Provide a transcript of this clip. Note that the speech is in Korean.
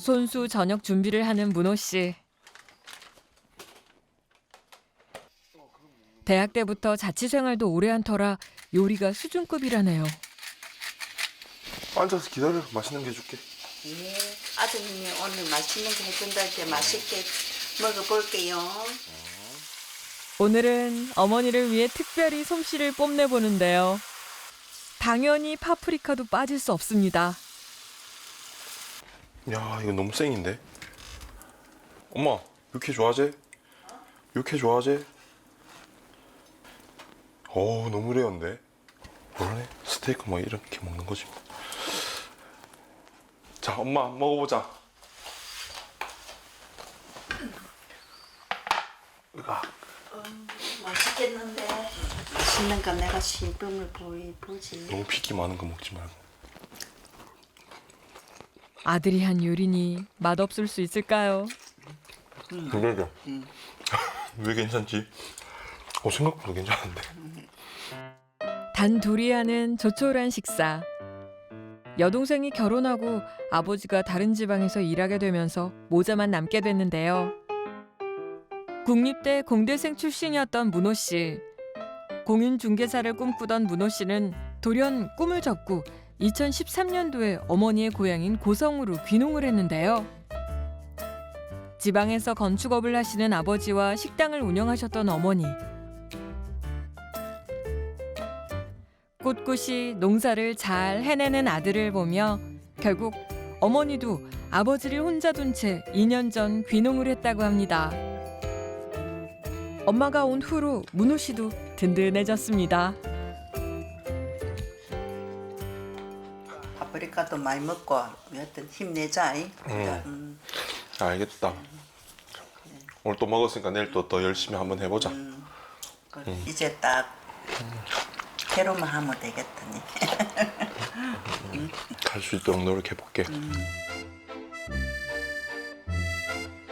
손수 저녁 준비를 하는 문호 씨. 대학 때부터 자취 생활도 오래 한 터라 요리가 수준급이라네요. 앉아서 기다려. 맛있는 게 해줄게. 예, 아드님이 오늘 맛있는 거 해준다 할 때 맛있게 먹어볼게요. 오늘은 어머니를 위해 특별히 솜씨를 뽐내보는데요. 당연히 파프리카도 빠질 수 없습니다. 야, 이거 너무 쌩인데. 엄마, 육회 좋아하지? 육회 좋아하지? 어우, 너무 레어인데. 원래 스테이크 막 이렇게 먹는 거지. 자, 엄마 먹어보자. 으아. 맛있겠는데. 맛있는 거 내가 시범을 보지. 너무 피기 많은 거 먹지 말고. 아들이 한 요리니 맛없을 수 있을까요? 그러게. 왜 괜찮지? 생각보다 괜찮은데. 단 둘이 하는 조촐한 식사. 여동생이 결혼하고 아버지가 다른 지방에서 일하게 되면서 모자만 남게 됐는데요. 국립대 공대생 출신이었던 문호 씨. 공인중개사를 꿈꾸던 문호 씨는 돌연 꿈을 접고 2013년도에 어머니의 고향인 고성으로 귀농을 했는데요. 지방에서 건축업을 하시는 아버지와 식당을 운영하셨던 어머니. 꿋꿋이 농사를 잘 해내는 아들을 보며 결국 어머니도 아버지를 혼자 둔 채 2년 전 귀농을 했다고 합니다. 엄마가 온 후로 문호 씨도 든든해졌습니다. 파프리카도 많이 먹고 여하튼 힘내자. 알겠다. 오늘 또 먹었으니까 내일 또 열심히 한번 해보자. 이제 딱 대로만 하면 되겠더니. 갈 수 있도록 노력해볼게.